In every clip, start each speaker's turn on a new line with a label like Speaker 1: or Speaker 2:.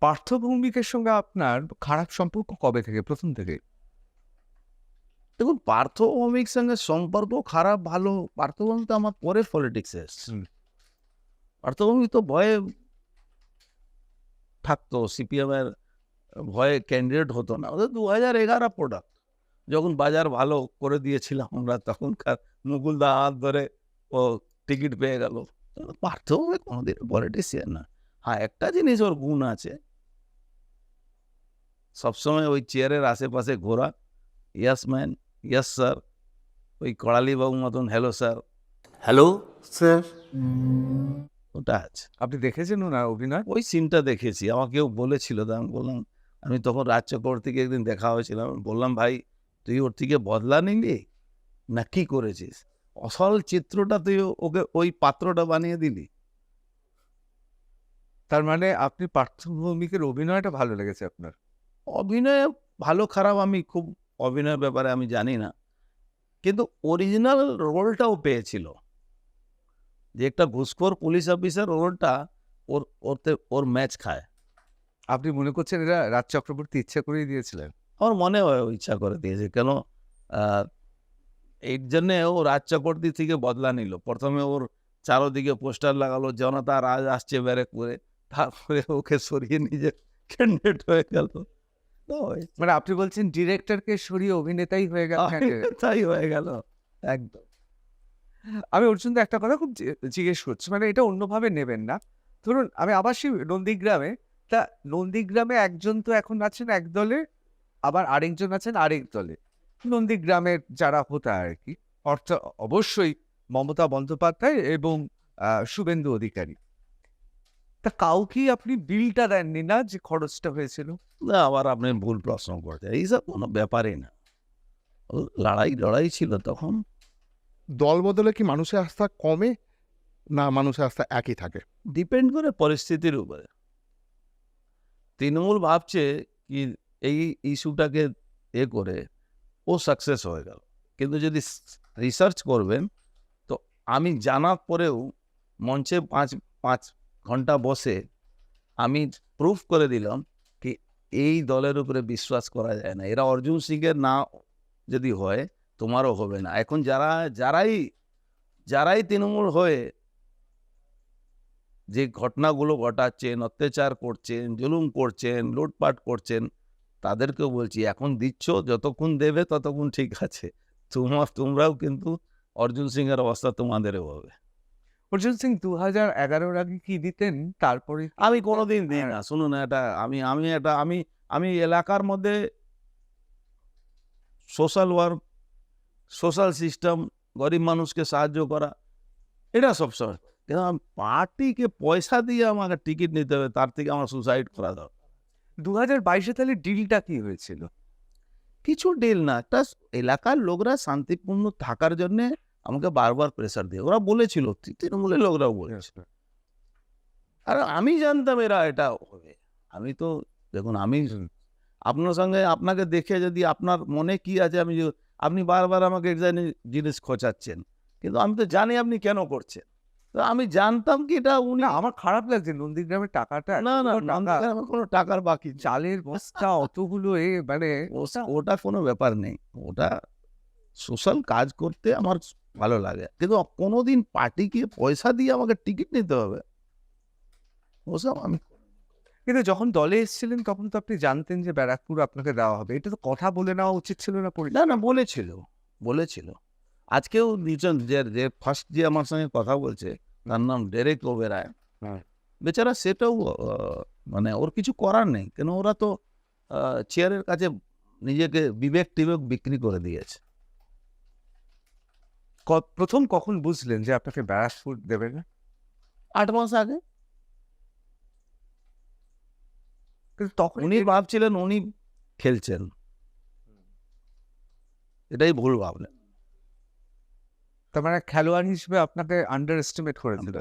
Speaker 1: পার্থ ভৌমিকের সঙ্গে আপনার খারাপ সম্পর্ক কবে থেকে? প্রথম থেকে?
Speaker 2: দেখুন, পার্থ ভৌমিক সঙ্গে সম্পর্ক খারাপ ভালো, পার্থ ভৌমিক তো আমার পরে পলিটিক্সে এসছে।
Speaker 1: হুম।
Speaker 2: পার্থ ভৌমিক তো ভয়ে থাকতো, সিপিএম এর ভয়ে ক্যান্ডিডেট হতো না। ওদের 2011 প্রোডাক্ট। যখন বাজার ভালো করে দিয়েছিলাম আমরা, তখনকার মুকুলদা হাত ধরে ও টিকিট পেয়ে গেল। পার্থ ভৌমিক কোনোদিন পলিটিশিয়ান না। হ্যাঁ, একটা জিনিস ওর গুণ আছে, সবসময় ওই চেয়ারের আশেপাশে ঘোরা, ইয়েস ম্যান, ইয়েস স্যার, ওই কড়ালি বাবুর মতন হ্যালো স্যার,
Speaker 3: হ্যালো স্যার।
Speaker 2: ওটা আছে।
Speaker 1: আপনি দেখেছেন ওনার অভিনয়?
Speaker 2: ওই সিনটা দেখেছি। আমাকেও বলেছিল, তো আমি বললাম, আমি তখন রাজ চক্রবর্তীকে একদিন দেখা হয়েছিল। আমি বললাম, ভাই তুই ওর থেকে বদলা নিলি না কি করেছিস? আসল চিত্রটা তুই ওকে ওই পাত্রটা বানিয়ে দিলি।
Speaker 1: তার মানে আপনি পার্থ ভৌমিকের অভিনয়টা ভালো লেগেছে আপনার?
Speaker 2: অভিনয় ভালো খারাপ আমি খুব অভিনয়ের ব্যাপারে আমি জানি না, কিন্তু অরিজিনাল রোলটাও পেয়েছিল। যে একটা ঘুষখোর পুলিশ অফিসার রোলটা ওর ম্যাচ খায়।
Speaker 1: আপনি মনে করছেন এটা রাজ চক্রবর্তী ইচ্ছা করেই দিয়েছিলেন?
Speaker 2: আমার মনে হয় ও ইচ্ছা করে দিয়েছে। কেন আহ, এই জন্যে ও রাজ চক্রবর্তী থেকে বদলা নিল। প্রথমে ওর চারোদিকে পোস্টার লাগালো, জনতা রাজ আসছে ব্যারেক করে, তারপরে ওকে সরিয়ে নিজে ক্যান্ডিডেট হয়ে গেল। তো
Speaker 1: মানে আপনি বলছেন ডিরেক্টরকে সরিয়ে অভিনেতাই হয়ে গেল candidate?
Speaker 2: তাই হয়ে গেল একদম।
Speaker 1: আমি অর্জুনদা একটা কথা খুব জিজ্ঞেস করছি, মানে এটা অন্যভাবে নেবেন না। ধরুন আমি আবার সেই নন্দীগ্রামে, তা নন্দীগ্রামে একজন তো এখন আছেন এক দলে, আবার আরেকজন আছেন আরেক দলে। নন্দীগ্রামের যারা হোতা আরকি, অর্থাৎ অবশ্যই মমতা বন্দ্যোপাধ্যায় এবং শুভেন্দু অধিকারী। তা কাউকেই আপনি বিলটা দেননি না যে খরচটা হয়েছিল?
Speaker 2: না, আবার আপনি ভুল প্রশ্ন করছেন। এইসব কোনো ব্যাপারই না। ও লড়াই ছিল তখন।
Speaker 4: দল বদলে কি মানুষের আস্থা কমে, না মানুষের আস্থা একই থাকে?
Speaker 2: ডিপেন্ড করে পরিস্থিতির উপরে। তৃণমূল ভাবছে কি এই ইস্যুটাকে করে ও সাকসেস হয়ে গেল, কিন্তু যদি রিসার্চ করবেন তো আমি জানার পরেও মঞ্চে পাঁচ পাঁচ ঘন্টা বসে আমি প্রুফ করে দিলাম কি এই দলের উপরে বিশ্বাস করা যায় না। এরা অর্জুন সিংয়ের না যদি হয়, তোমারও হবে না। এখন যারাই তৃণমূল হয়ে যে ঘটনাগুলো ঘটাচ্ছেন, অত্যাচার করছেন, জুলুম করছেন, লুটপাট করছেন, তাদেরকেও বলছি এখন দিচ্ছ, যতক্ষণ দেবে ততক্ষণ ঠিক আছে। তোমরাও কিন্তু অর্জুন সিং এর অবস্থা তোমাদেরও হবে।
Speaker 1: অর্জুন সিং 2011-র আগে কি দিতেন? তারপরে
Speaker 2: আমি কোনোদিন দিই না। শুনুন, এটা আমি এলাকার মধ্যে সোশ্যাল ওয়ার্ক, সোশ্যাল সিস্টেম, গরিব মানুষকে সাহায্য করা, এটা সবসময়। কিন্তু পার্টিকে পয়সা দিয়ে আমাকে টিকিট নিতে হবে, তার থেকে আমার সুসাইড করা দরকার।
Speaker 1: 2022-এ তাহলে ডিলটা কি হয়েছিল?
Speaker 2: কিছু ডিল না, একটা এলাকার লোকরা শান্তিপূর্ণ থাকার জন্য আমাকে বারবার প্রেসার দিয়ে ওরা বলেছিল, তৃণমূলের লোকরাও বলেছিল। আর আমি জানতাম এরা এটা হবে। আমি তো দেখুন, আমি আপনার সঙ্গে আপনাকে দেখে যদি আপনার মনে কি আছে, আপনি বারবার আমাকে এক জিনিস খোঁচাচ্ছেন, কিন্তু আমি তো জানি আপনি কেন করছেন। তো আমি জানতাম কি এটা উনি
Speaker 1: না আমার খারাপ লাগছে নন্দীগ্রামের টাকাটা,
Speaker 2: না না
Speaker 1: এতগুলো টাকা,
Speaker 2: নন্দীগ্রামে আমার কোনো টাকার বাকি নেই।
Speaker 1: চালের বস্তা অতগুলো মানে
Speaker 2: ওটা কোনো ব্যাপার নেই। ওটা সোশ্যাল কাজ করতে আমার ভালো লাগে, কিন্তু কোনোদিন পার্টিকে পয়সা দিয়ে আমাকে টিকিট নিতে হবে, ওসব আমি
Speaker 1: কিন্তু যখন দলে এসেছিলেন তখন তো আপনি জানতেন যে ব্যারাকপুর আপনাকে দেওয়া হবে। এটা তো কথা বলে নেওয়া উচিত ছিল না?
Speaker 2: না বলেছিল। আজকেও দুজন যে ফার্স্ট যে আমার সঙ্গে কথা বলছে, তার নাম ডেরেক ওবেরয়।
Speaker 1: হ্যাঁ।
Speaker 2: বেচারা সেটাও মানে ওর কিছু করার নেই, কেন ওরা তো চেয়ারের কাছে নিজেকে বিবেক টিবেক বিক্রি করে দিয়েছে।
Speaker 1: প্রথম কখন বুঝলেন যে আপনাকে ব্যারাকপুর দেবে না?
Speaker 2: 8 মাস আগে
Speaker 1: কিন্তু তখন
Speaker 2: উনি ভাবছিলেন উনি খেলছেন, এটাই ভুল ভাবলেন।
Speaker 1: তার মানে খেলোয়াড় হিসেবে আপনাকে আন্ডার এস্টিমেট করেছিল।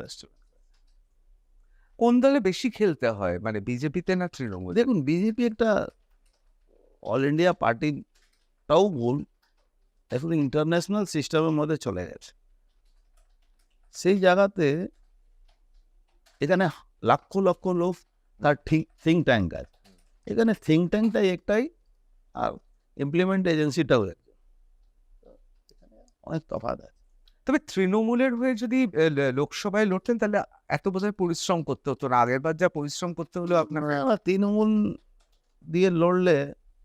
Speaker 1: কোন দলে বেশি খেলতে হয়, মানে বিজেপিতে না তৃণমূল?
Speaker 2: দেখুন, বিজেপি একটা অল ইন্ডিয়া পার্টিটাও ভুল, এখন ইন্টারন্যাশনাল সিস্টেমের মধ্যে চলে গেছে। সেই জায়গাতে এখানে লক্ষ লক্ষ লোক তার থিঙ্ক ট্যাঙ্ক আছে। এখানে থিঙ্ক ট্যাঙ্কটাই একটাই, আর ইমপ্লিমেন্ট এজেন্সিটাও একটা, অনেক তফাৎ আছে।
Speaker 1: তবে তৃণমূলের হয়ে যদি লোকসভায় লড়তেন তাহলে এত বোধহয় পরিশ্রম করতে হতো না, আগের বার যা পরিশ্রম করতে হলো আপনার।
Speaker 2: আবার তৃণমূল দিয়ে লড়লে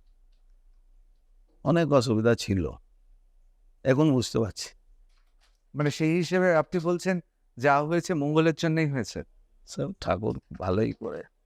Speaker 2: অনেক অসুবিধা ছিল, এখন বুঝতে পারছি।
Speaker 1: মানে সেই হিসেবে আপনি বলছেন যা হয়েছে মঙ্গলের জন্যই হয়েছে।
Speaker 2: সব ঠাকুর ভালোই করে।